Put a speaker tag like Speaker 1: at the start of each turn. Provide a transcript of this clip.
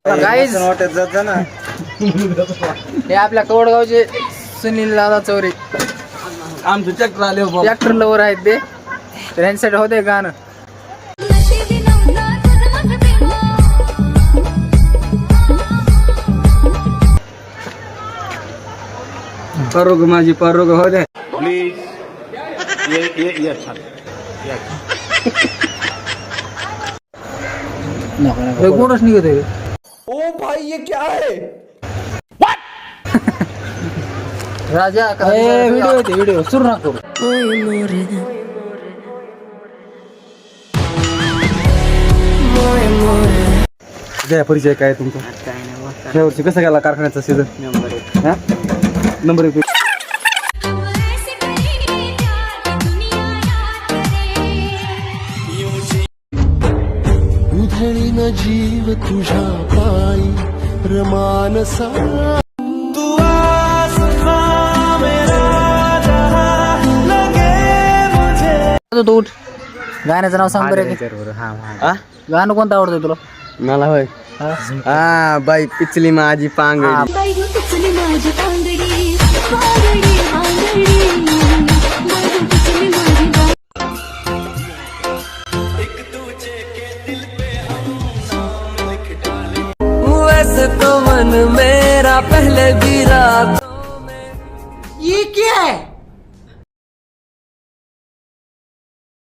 Speaker 1: Guys हे आपल्या कवडगावचे सुनील दादा चौरे
Speaker 2: आमचं ट्रॅक्टर आले
Speaker 1: ट्रॅक्टर लवर आहेत ते तर यांच्यासाठी होते गाणं.
Speaker 2: परोग माझी परोग हो दे
Speaker 3: प्लीज ये अच्छा
Speaker 1: कोणच निघत आहे.
Speaker 2: ओ भाई ये क्या है
Speaker 1: राजा व्हिडिओ सुरू ना करू.
Speaker 2: जय परिचय काय तुमचा या वर्षी कसं गेला कारखान्याचा सीझन नंबर 1
Speaker 4: उधळी न जीव तुझ्या पायी रमानसा
Speaker 1: तू उठ. गाण्याचं नाव सांग बरं. गाणं कोणतं आवडतं तुला?
Speaker 2: मला होय हा बाई पिचली माझी पांगडी
Speaker 5: बाई पिचली माझी पांगडी पांगडी पांगडी बाई पिचली माझी
Speaker 4: वैसे तो मन मेरा पहले भी रातों में ये क्या है